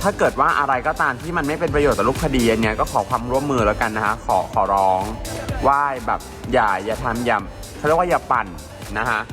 ถ้าเกิดว่าอะไรก็ตามที่มันไม่เป็นประโยชน์ต่อรูปคดีอันเนี้ยก็ขอความร่วมมือแล้วกันนะฮะขอร้องว่าแบบอย่าทำอย่าเขาเรียกว่าอย่าปั่นนะฮะ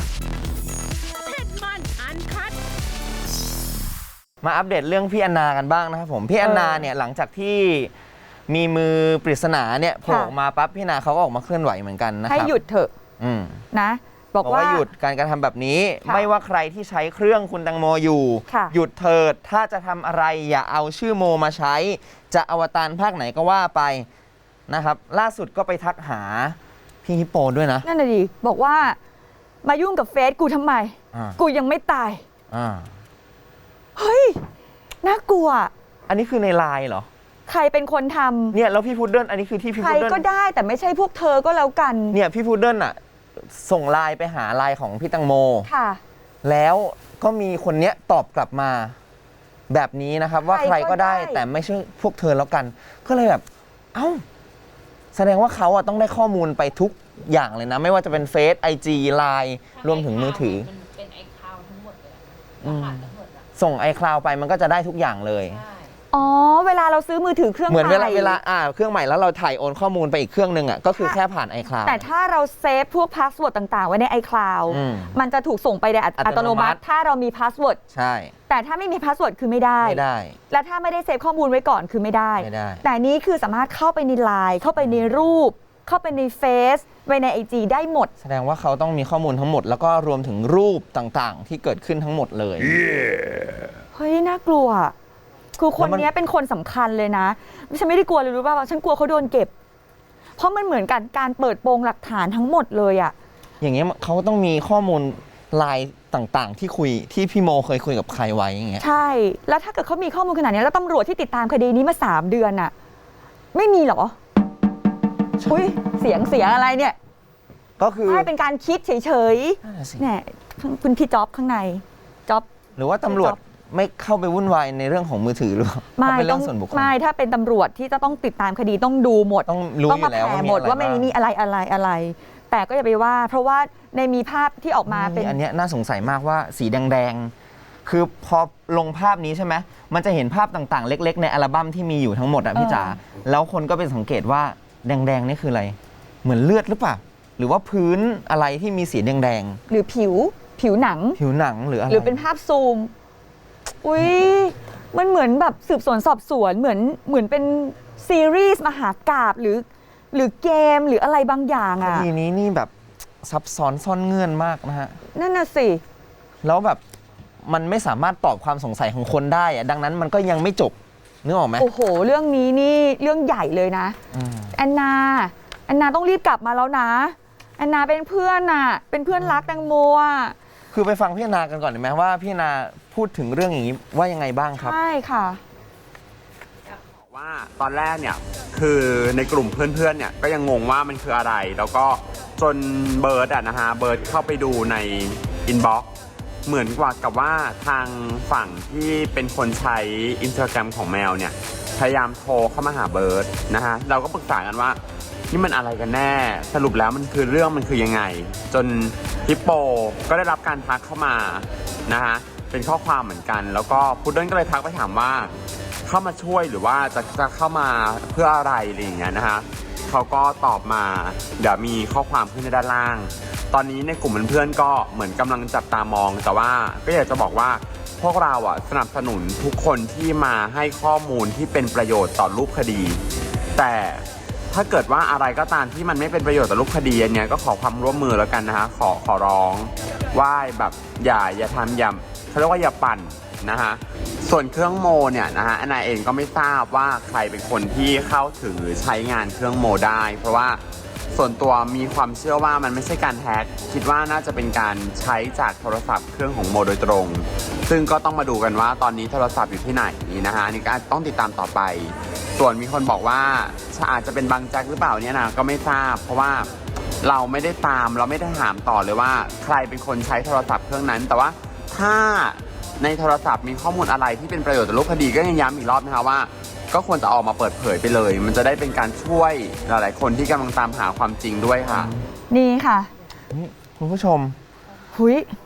มาอัปเดตเรื่องพี่แอนนากันบ้างนะครับผมพี่แอนนาเนี่ยหลังจากที่มีมือปริศนาเนี่ยโผล่ออกมาปั๊บพี่แอนนาเขาก็ออกมาเคลื่อนไหวเหมือนกันนะครับให้หยุดเถอะนะบอกว่าหยุดการกระทำแบบนี้ไม่ว่าใครที่ใช้เครื่องคุณแตงโมอยู่หยุดเถิดถ้าจะทำอะไรอย่าเอาชื่อโมมาใช้จะอวตารภาคไหนก็ว่าไปนะครับล่าสุดก็ไปทักหาพี่ฮิปโปด้วยนะนั่นน่ะดิบอกว่ามายุ่งกับเฟซกูทำไมกูยังไม่ตายเฮ้ยน่ากลัวอันนี้คือในไลน์เหรอใครเป็นคนทำเนี่ยแล้วพี่พุดเดิ้ลอันนี้คือที่พี่พุดเดิ้ลใครก็ได้แต่ไม่ใช่พวกเธอก็แล้วกันเนี่ยพี่พุดเดิ้ลอ่ะส่งไลน์ไปหาไลน์ของพี่แตงโมค่ะแล้วก็มีคนเนี้ยตอบกลับมาแบบนี้นะครับว่าใครก็ได้แต่ไม่ใช่พวกเธอแล้วกันก็เลยแบบเอ้าแสดงว่าเขาต้องได้ข้อมูลไปทุกอย่างเลยนะไม่ว่าจะเป็นเฟซไอจีไลน์รวมถึงมือถือเป็นไอคลาวทั้งหมดเลยส่งไอคลาวไปมันก็จะได้ทุกอย่างเลยอ๋อเวลาเราซื้อมือถือเครื่องใหม่เหมือนเวลาเครื่องใหม่แล้วเราถ่ายโอนข้อมูลไปอีกเครื่องนึงอ่ะก็คือแค่ผ่าน iCloud แต่ถ้าเราเซฟพวกพาสเวิร์ดต่างๆไว้ใน iCloud มันจะถูกส่งไปในอัตโนมัติถ้าเรามีพาสเวิร์ดใช่แต่ถ้าไม่มีพาสเวิร์ดคือไม่ได้และถ้าไม่ได้เซฟข้อมูลไว้ก่อนคือไม่ได้แต่นี้คือสามารถเข้าไปในไลน์เข้าไปในรูปเข้าไปในเฟซไว้ใน IG ได้หมดแสดงว่าเขาต้องมีข้อมูลทั้งหมดแล้วก็รวมถึงรูปต่างๆที่เกิดขึ้นทั้งหมดเลยเฮ้ยน่ากลัวคือคนนี้เป็นคนสำคัญเลยนะฉันไม่ได้กลัวเลยรู้ป่าวฉันกลัวเขาโดนเก็บเพราะมันเหมือนกันการเปิดโปงหลักฐานทั้งหมดเลยอะอย่างเงี้ยเขาต้องมีข้อมูลไลน์ต่างๆที่คุยที่พี่โมเคยคุยกับใครไว้อย่างเงี้ยใช่แล้วถ้าเกิดเขามีข้อมูลขนาดนี้แล้วตำรวจที่ติดตามคดีนี้มา3 เดือนอะไม่มีหรออุ้ยเสียงอะไรเนี่ยก็คือไม่เป็นการคิดเฉยๆเนี่ยคุณพี่จ๊อบข้างในจ๊อบหรือว่าตำรวจไม่เข้าไปวุ่นวายในเรื่องของมือถือหรือไม่ต้องไม่ถ้าเป็นตำรวจที่จะต้องติดตามคดีต้องดูหมดต้องรู้อยู่แล้วหมดว่าไม่มีอะไรแต่ก็อย่าไปว่าเพราะว่าในมีภาพที่ออกมาเป็นอันนี้น่าสงสัยมากว่าสีแดงๆคือพอลงภาพนี้ใช่ไหมมันจะเห็นภาพต่างๆเล็กๆในอัลบั้มที่มีอยู่ทั้งหมดอ่ะพี่จ๋าแล้วคนก็เป็นสังเกตว่าแดงๆนี่คืออะไรเหมือนเลือดหรือเปล่าหรือว่าพื้นอะไรที่มีสีแดงๆหรือผิวหนังหรืออะไรหรือเป็นภาพซูมอุ้ยมันเหมือนแบบสืบสวนสอบสวนเหมือนเป็นซีรีส์มหากาพย์หรือเกมหรืออะไรบางอย่างอ่ะทีนี้นี่แบบซับซ้อนซ่อนเงื่อนมากนะฮะนั่นน่ะสิแล้วแบบมันไม่สามารถตอบความสงสัยของคนได้อะดังนั้นมันก็ยังไม่จบนึกออกไหมโอ้โหเรื่องนี้นี่เรื่องใหญ่เลยนะแอนนาต้องรีบกลับมาแล้วนะแอนนาเป็นเพื่อนน่ะเป็นเพื่อนรักแตงโมอ่ะคือไปฟังพี่แอนนากันก่อนได้ไหมว่าพี่แอนนาพูดถึงเรื่องอย่างนี้ว่ายังไงบ้างครับใช่ค่ะบอกว่าตอนแรกเนี่ยคือในกลุ่มเพื่อนๆเนี่ยก็ยังงงว่ามันคืออะไรแล้วก็จนเบิร์ดนะฮะเบิร์ดเข้าไปดูในอินบ็อกซ์เหมือนกับว่าทางฝั่งที่เป็นคนใช้ Instagram ของแมวเนี่ยพยายามโทรเข้ามาหาเบิร์ดนะฮะเราก็ปรึกษากันว่านี่มันอะไรกันแน่สรุปแล้วมันคือยังไงจนฮิปโปก็ได้รับการทักเข้ามานะฮะเป็นข้อความเหมือนกันแล้วก็พุดเดิ้ลก็เลยทักไปถามว่าเข้ามาช่วยหรือว่าจะเข้ามาเพื่ออะไรอะไรอย่างเงี้ยนะฮะเขาก็ตอบมาเดี๋ยวมีข้อความขึ้นในด้านล่างตอนนี้ในกลุ่มเพื่อนๆก็เหมือนกำลังจับตามองแต่ว่าก็อยากจะบอกว่าพวกเราสนับสนุนทุกคนที่มาให้ข้อมูลที่เป็นประโยชน์ต่อรูปคดีแต่ถ้าเกิดว่าอะไรก็ตามที่มันไม่เป็นประโยชน์ต่อรูปคดีอันเนี้ยก็ขอความร่วมมือแล้วกันนะฮะขอร้องว่าแบบอย่าทำเขาเรียกว่าอย่าปั่นนะฮะส่วนเครื่องโมเนี่ยนะฮะแอนนาเองก็ไม่ทราบว่าใครเป็นคนที่เข้าถึงหรือใช้งานเครื่องโมได้เพราะว่าส่วนตัวมีความเชื่อว่ามันไม่ใช่การแฮกคิดว่าน่าจะเป็นการใช้จากโทรศัพท์เครื่องของโมโดยตรงซึ่งก็ต้องมาดูกันว่าตอนนี้โทรศัพท์อยู่ที่ไหนนะฮะนี่ก็ต้องติดตามต่อไปส่วนมีคนบอกว่าอาจจะเป็นบางแจ็คหรือเปล่าเนี่ยนะก็ไม่ทราบเพราะว่าเราไม่ได้ตามเราไม่ได้ถามต่อเลยว่าใครเป็นคนใช้โทรศัพท์เครื่องนั้นแต่ว่าถ้าในโทรศัพท์มีข้อมูลอะไรที่เป็นประโยชน์ต่อรูปคดีก็ยังย้ำอีกรอบนะคะว่าก็ควรจะออกมาเปิดเผยไปเลยมันจะได้เป็นการช่วยหลายๆคนที่กำลังตามหาความจริงด้วยค่ะนี่ค่ะคุณผู้ชมหุย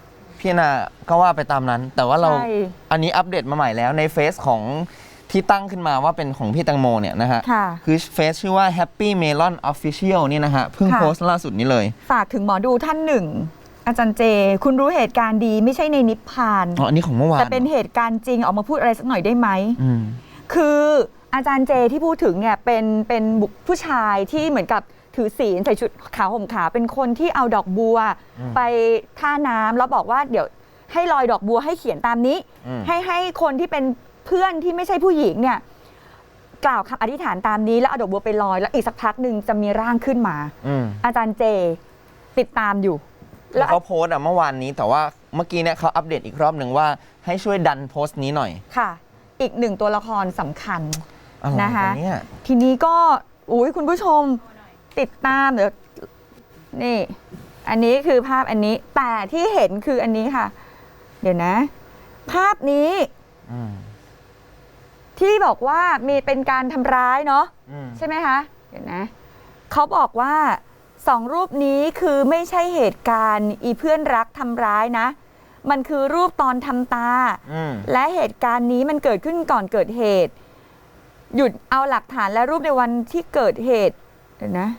พี่นาก็ว่าไปตามนั้น แต่ว่าเราใช่อันนี้อัปเดตมาใหม่แล้วในเฟซของที่ตั้งขึ้นมาว่าเป็นของพี่แตงโมเนี่ยนะฮะค่ะคือเฟซชื่อว่า Happy Melon Official นี่นะฮะเพิ่งค่ะโพสต์ล่าสุดนี้เลยฝากถึงหมอดูท่านหนึ่ง อาจารย์เจ คุณรู้เหตุการณ์ดีไม่ใช่ในนิพพานอ๋ออันนี้ของเมื่อวานแต่เป็นเหตุการณ์จริงออกมาพูดอะไรสักหน่อยได้ไหมอืมคืออาจารย์เจที่พูดถึงเนี่ยเป็นบุคผู้ชายที่เหมือนกับถือศีลใส่ชุดขาวห่มขาวเป็นคนที่เอาดอกบัว ไปท่าน้ำแล้วบอกว่าเดี๋ยวให้ลอยดอกบัวให้เขียนตามนี้อืมให้คนที่เป็นเพื่อนที่ไม่ใช่ผู้หญิงเนี่ยกล่าวคำอธิษฐานตามนี้แล้วเอาดอกบัวไปลอยแล้วอีกสักพักหนึ่งจะมีร่างขึ้นมาอืมอาจารย์เจติดตามอยู่แล้วเขาโพสต์เมื่อวานนี้แต่ว่าเมื่อกี้เนี่ยเขาอัปเดตอีกรอบหนึ่งว่าให้ช่วยดันโพสต์นี้หน่อยค่ะ อีกหนึ่งตัวละครสำคัญอะไรนะคะวเนี่ยทีนี้ก็อุ้ยคุณผู้ชมติดตามเดี๋ยวนี่ อันนี้คือภาพอันนี้ แต่ที่เห็นคืออันนี้ค่ะ เดี๋ยวนะ ภาพนี้อืมที่บอกว่ามีเป็นการทำร้ายเนาะอืมใช่ไหมคะ เดี๋ยวนะเขาบอกว่าสองรูปนี้คือไม่ใช่เหตุการณ์อีเพื่อนรักทำร้ายนะ มันคือรูปตอนทำตาอืมและเหตุการณ์นี้มันเกิดขึ้นก่อนเกิดเหตุ หยุดเอาหลักฐานและรูปในวันที่เกิดเหตุเดี๋ยวนะ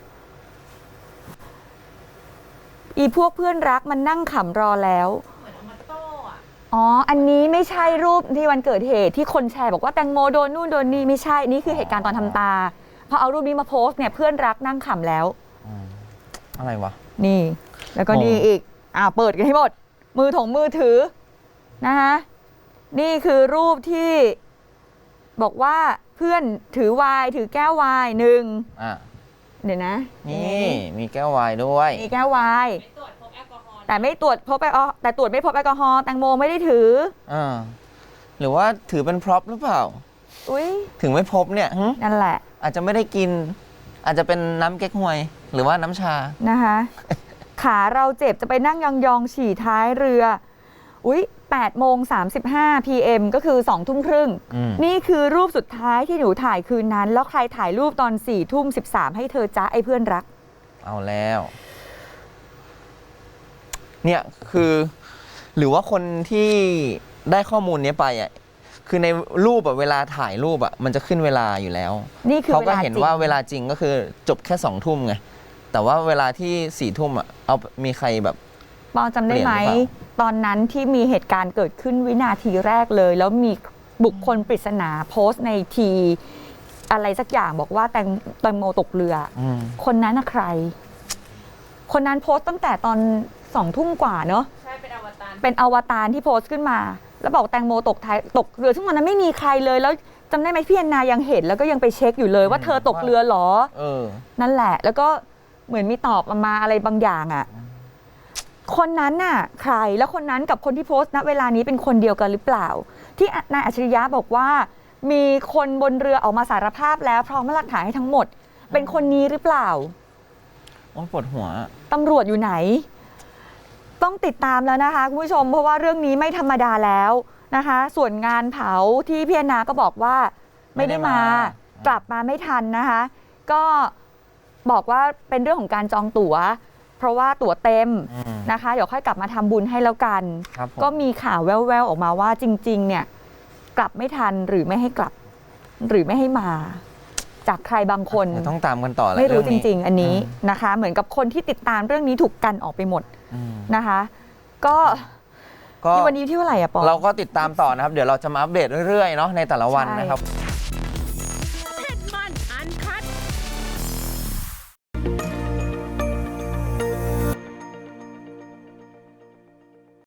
อีพวกเพื่อนรักมันนั่งขำรอแล้วเหมือนเอามาโต้อะอ๋อ อันนี้ไม่ใช่รูปที่วันเกิดเหตุที่คนแชร์บอกว่าแตงโมโดนนู่นโดนนี่ไม่ใช่ นี่คือเหตุการณ์ตอนทำตา พอเอารูปนี้มาโพสต์เนี่ยเพื่อนรักนั่งขำแล้วอะไรวะนี่ แล้วก็งงนี่อีก เปิดกันให้หมด มือถือนะคะนี่คือรูปที่บอกว่าเพื่อนถือไวน์ถือแก้วไวน์หนึ่งอ่ะเดี๋ยวนะนี่มีแก้ววายด้วยมีแก้วไวน์ไม่ตรวจพบแอลกอฮอล์แต่ไม่ตรวจพบแอลกอฮอล์แต่ตรวจไม่พบแอลกอฮอล์แตงโมไม่ได้ถืออ่าหรือว่าถือเป็นพร็อพหรือเปล่าอุ้ยถึงไม่พบเนี่ยหึนั่นแหละอาจจะไม่ได้กิน อาจจะเป็นน้ำเก๊กฮวย หรือว่าน้ำชานะคะ ขาเราเจ็บจะไปนั่งยองๆฉี่ท้ายเรือ อุ๊ย8โมง35 PM ก็คือ2ทุ่มครึ่งอืมนี่คือรูปสุดท้ายที่หนูถ่ายคืนนั้น แล้วใครถ่ายรูปตอน4ทุ่ม13ให้เธอจ้าไอ้เพื่อนรักเอาแล้ว เนี่ยคือ หรือว่าคนที่ได้ข้อมูลนี้ไปอ่ะคือในรูปอะเวลาถ่ายรูปอะมันจะขึ้นเวลาอยู่แล้วนี่คือเขาเวก็ลาเห็นจริงว่าเวลาจริงก็คือจบแค่2 ทุ่มไงแต่ว่าเวลาที่4 ทุ่มอ่ะเอามีใครแบบปอจำได้ไหมเปลี่ยนหรือเปล่าตอนนั้นที่มีเหตุการณ์เกิดขึ้นวินาทีแรกเลย แล้วมีบุคคลปริศนาโพสต์ในทีอะไรสักอย่างบอกว่าแตงโมตกเรืออืมคนนั้นน่ะใคร คนนั้นโพสต์ตั้งแต่ตอน2 ทุ่มกว่าเนอะใช่เป็นอวตารเป็นอวตารที่โพสต์ขึ้นมา แล้วบอกแตงโมตกเรือซึ่งวันนั้นไม่มีใครเลย แล้วจำได้ไหมพี่แอนนายังเห็นแล้วก็ยังไปเช็คอยู่เลยว่าเธอตกเรือเหรอเออนั่นแหละ แล้วก็เหมือนมีตอบมาอะไรบางอย่างอ่ะ คนนั้นน่ะใคร แล้วคนนั้นกับคนที่โพสต์ณเวลานี้เป็นคนเดียวกันหรือเปล่า ที่นายอัจฉริยะบอกว่า มีคนบนเรือออกมาสารภาพแล้วพร้อมหลักฐานให้ทั้งหมด เป็นคนนี้หรือเปล่าโอ้ยปวดหัวตำรวจอยู่ไหน ต้องติดตามแล้วนะคะคุณผู้ชม เพราะว่าเรื่องนี้ไม่ธรรมดาแล้วนะคะ ส่วนงานเผาที่พี่แอนนาก็บอกว่าไม่ได้มาไม่ได้มากลับมาไม่ทันนะคะ ก็บอกว่าเป็นเรื่องของการจองตั๋ว เพราะว่าตั๋วเต็มอืมนะคะ เดี๋ยวค่อยกลับมาทำบุญให้แล้วกันครับผมก็มีข่าวแว่วๆออกมาว่าจริง ๆ เนี่ย กลับไม่ทันหรือไม่ให้กลับ หรือไม่ให้มา จากใครบางคนเดี๋ยวต้องตามกันต่อแหละไม่รู้เอจนี้ริง ๆ อันนี้นะคะ เหมือนกับคนที่ติดตามเรื่องนี้ถูกกันออกไปหมดอืมนะคะ ก็ก็ที่วันนี้ที่เท่าไหร่อะปอเราก็ติดตามต่อนะครับ เดี๋ยวเราจะมาอัปเดตเรื่อยๆเนาะในแต่ละวันใช่นะครับ